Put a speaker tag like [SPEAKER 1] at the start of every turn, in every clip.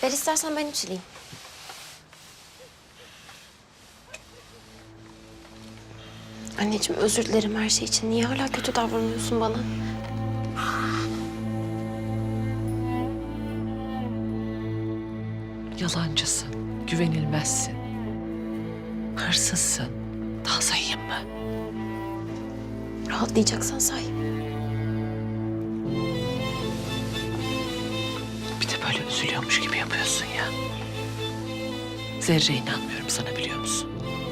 [SPEAKER 1] Ver istersen ben içireyim. Anneciğim özür dilerim her şey için. Niye hala kötü davranıyorsun bana?
[SPEAKER 2] Yalancısın, güvenilmezsin. Hırsızsın. Daha sayayım mı?
[SPEAKER 1] Rahatlayacaksan say.
[SPEAKER 2] Bir de böyle üzülüyormuş gibi yapıyorsun ya. Zerre inanmıyorum sana, biliyor musun?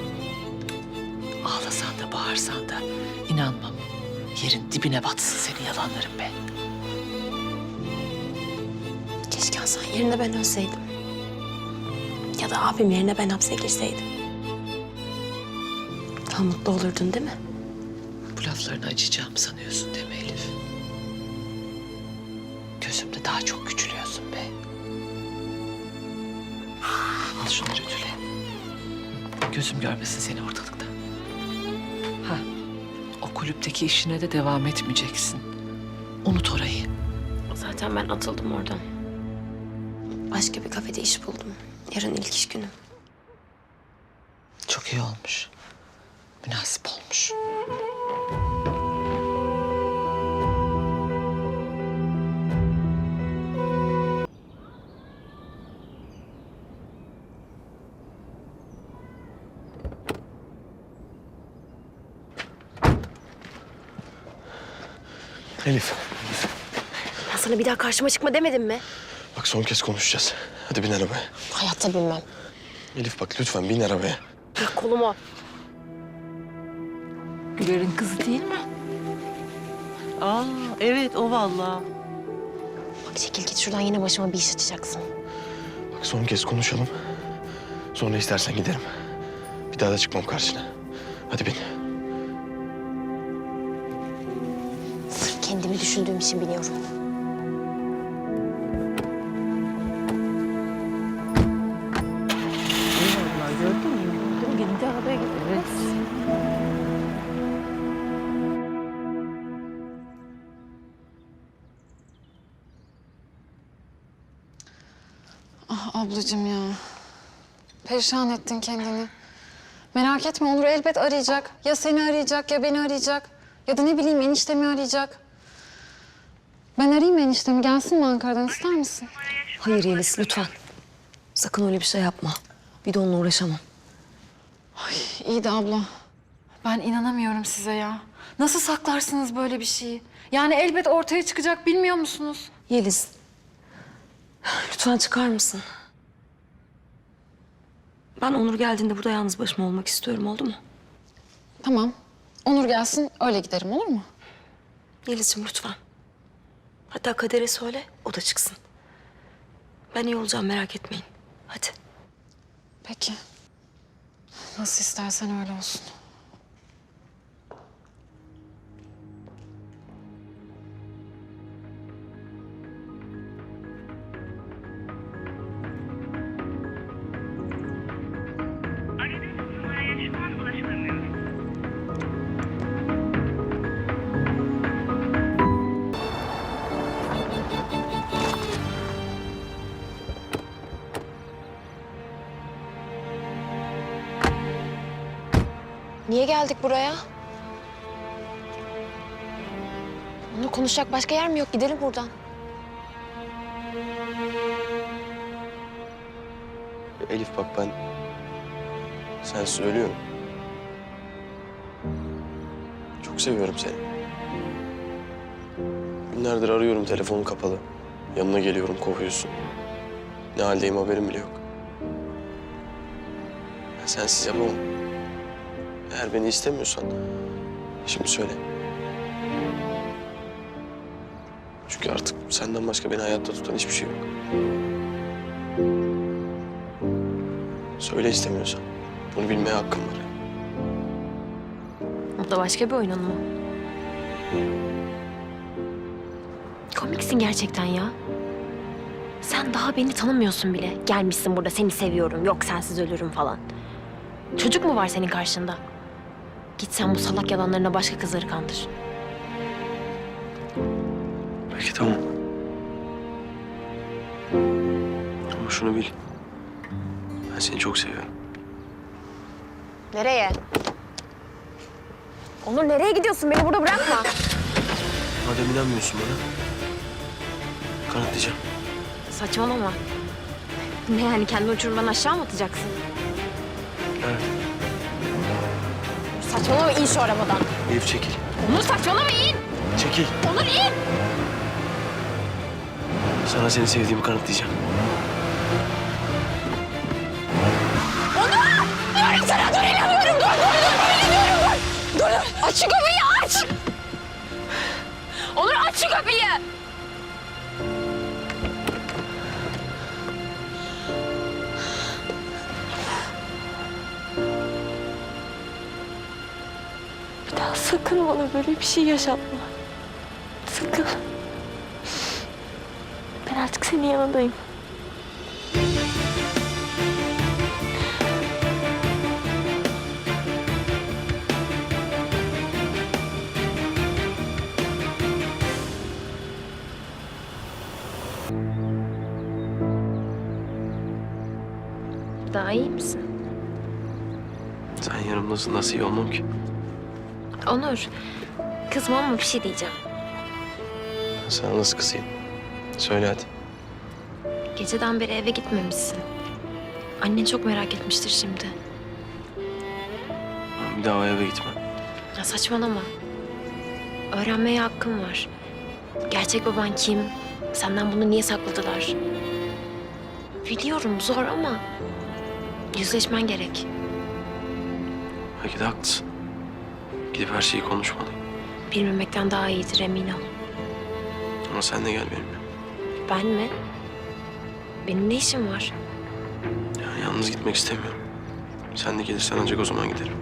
[SPEAKER 2] Ağlasan da bağırsan da inanmam. Yerin dibine batsın senin yalanların be.
[SPEAKER 1] Keşke Hasan yerine ben ölseydim. Ya da abim yerine ben hapse girseydim. Daha mutlu olurdun değil mi?
[SPEAKER 2] Bu laflarını acıyacağımı sanıyorsun değil mi Elif? Gözümde daha çok küçülüyorsun be. Al şunları ütüle. Gözüm görmesin seni ortalıkta. Ha, o kulüpteki işine de devam etmeyeceksin. Unut orayı.
[SPEAKER 1] Zaten ben atıldım oradan. Başka bir kafede iş buldum. Yarın ilk iş günüm.
[SPEAKER 2] Çok iyi olmuş. Münasip olmuş.
[SPEAKER 3] Elif,
[SPEAKER 1] Ben sana bir daha karşıma çıkma demedim mi?
[SPEAKER 3] bak son kez konuşacağız. Hadi bin arabaya.
[SPEAKER 1] Hayatta bilmem.
[SPEAKER 3] Elif bak lütfen bin arabaya.
[SPEAKER 1] Bırak kolumu.
[SPEAKER 2] Güler'in kızı değil mi?
[SPEAKER 4] Aa, evet o vallahi.
[SPEAKER 1] Bak çekil git şuradan, yine başıma bir iş açacaksın.
[SPEAKER 3] Bak son kez konuşalım. Sonra istersen giderim. Bir daha da çıkmam karşına. Hadi bin.
[SPEAKER 1] Sırf kendimi düşündüğüm için biliyorum.
[SPEAKER 4] Vallahi gördün mü? Gördün mü? Gitti arabaya gitti. Evet.
[SPEAKER 5] Ah ablacığım ya. Perişan ettin kendini. Merak etme, Onur elbet arayacak. Ya seni arayacak ya beni arayacak. Ya da ne bileyim eniştemi arayacak. Ben arayayım eniştemi. Gelsin mi Ankara'dan, ister misin?
[SPEAKER 6] Hayır Yeliz, lütfen. Sakın öyle bir şey yapma. Bir de onunla uğraşamam.
[SPEAKER 5] İyi de abla. Ben inanamıyorum size ya. Nasıl saklarsınız böyle bir şeyi? Yani elbet ortaya çıkacak, bilmiyor musunuz?
[SPEAKER 6] Yeliz, lütfen çıkar mısın? Ben Onur geldiğinde burada yalnız başıma olmak istiyorum, oldu mu?
[SPEAKER 5] Tamam. Onur gelsin, öyle giderim, olur mu?
[SPEAKER 6] Yeliz'ciğim lütfen. Hatta Kader'e söyle, o da çıksın. Ben iyi olacağım, merak etmeyin. Hadi.
[SPEAKER 5] Peki. Nasıl istersen öyle olsun.
[SPEAKER 7] Aradığınız numaraya şu an ulaşılamıyor.
[SPEAKER 1] Niye geldik buraya? Onunla konuşacak başka yer mi yok? Gidelim buradan.
[SPEAKER 3] Elif bak ben... Sen söylüyorum. Çok seviyorum seni. Günlerdir arıyorum, telefonun kapalı. Yanına geliyorum, kovuyorsun. Ne haldeyim haberim bile yok. Ben sensiz yapamam. Eğer beni istemiyorsan şimdi söyle. Çünkü artık senden başka beni hayatta tutan hiçbir şey yok. Söyle istemiyorsan. Bunu bilmeye hakkım var.
[SPEAKER 1] O da başka bir oyunun mu? Komiksin gerçekten ya. Sen daha beni tanımıyorsun bile. Gelmişsin burada seni seviyorum, yok sensiz ölürüm falan. Çocuk mu var senin karşında? Git sen bu salak yalanlarına başka kızları kandır.
[SPEAKER 3] Peki tamam. Ama Bak şunu bil. Ben seni çok seviyorum.
[SPEAKER 1] Nereye? Onur nereye gidiyorsun? Beni burada bırakma.
[SPEAKER 3] Madem inanmıyorsun bana, kanıtlayacağım.
[SPEAKER 1] Saçmalama. Ne yani kendi uçurumdan aşağı mı atacaksın?
[SPEAKER 3] Evet.
[SPEAKER 1] Saçmalama in şu arabadan.
[SPEAKER 3] Elif çekil.
[SPEAKER 1] Onur saçmalama in.
[SPEAKER 3] Çekil.
[SPEAKER 1] Onur in.
[SPEAKER 3] Sana seni sevdiğimi kanıtlayacağım.
[SPEAKER 1] Diyorum sana dur inanıyorum. Dur. Aç şu kapıyı aç. Onur aç şu kapıyı. Bir daha sakın bana böyle bir şey yaşatma. Sakın. Ben artık senin yanındayım. Daha iyi misin?
[SPEAKER 3] Sen yanımdasın, nasıl iyi olmam ki?
[SPEAKER 1] Onur, kızma ama bir şey diyeceğim.
[SPEAKER 3] Ben sana nasıl kızayım? Söyle hadi.
[SPEAKER 1] Geceden beri eve gitmemişsin. Annen çok merak etmiştir şimdi.
[SPEAKER 3] Ben bir daha o eve gitmem.
[SPEAKER 1] Ya saçmalama. Öğrenmeye hakkım var. Gerçek baban kim? Senden bunu niye sakladılar? Biliyorum zor ama yüzleşmen gerek.
[SPEAKER 3] Belki de haklısın. Gidip her şeyi konuşmalıyım.
[SPEAKER 1] Bilmemekten daha iyidir emin ol.
[SPEAKER 3] Ama sen de gel benimle.
[SPEAKER 1] Ben mi? Benim ne işim var?
[SPEAKER 3] Yani yalnız gitmek istemiyorum. Sen de gelirsen ancak o zaman giderim.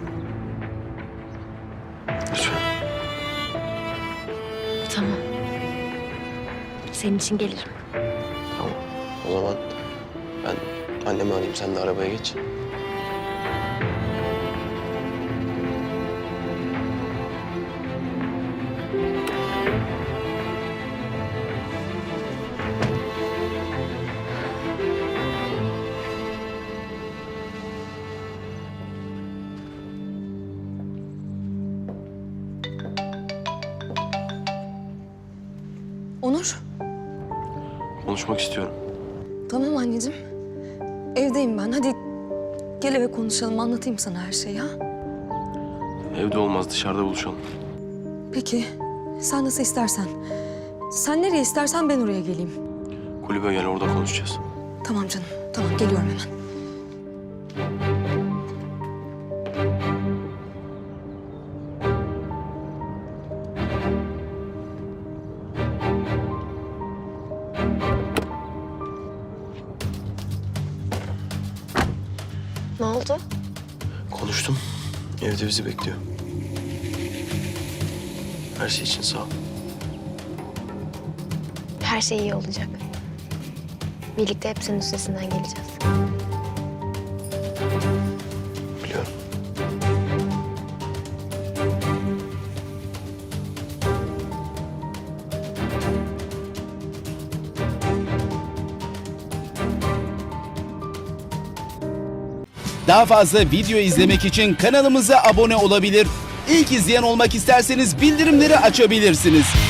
[SPEAKER 3] Lütfen.
[SPEAKER 1] Tamam. Senin için gelirim.
[SPEAKER 3] Tamam. O zaman ben annemi arayayım, sen de arabaya geç.
[SPEAKER 6] Onur.
[SPEAKER 3] Konuşmak istiyorum.
[SPEAKER 6] Tamam anneciğim. Evdeyim ben. Hadi gel eve konuşalım. Anlatayım sana her şeyi ha.
[SPEAKER 3] Evde olmaz, dışarıda buluşalım.
[SPEAKER 6] Peki. Sen nasıl istersen. Sen nereye istersen ben oraya geleyim.
[SPEAKER 3] Kulübe gel, orada konuşacağız.
[SPEAKER 6] Tamam canım. Tamam geliyorum hemen.
[SPEAKER 1] Ne oldu?
[SPEAKER 3] Konuştum. Evde bizi bekliyor. Her şey için sağ ol.
[SPEAKER 1] Her şey iyi olacak. Birlikte hepsinin üstesinden geleceğiz.
[SPEAKER 3] Biliyorum.
[SPEAKER 8] Daha fazla video izlemek için kanalımıza abone olabilir. İlk izleyen olmak isterseniz bildirimleri açabilirsiniz.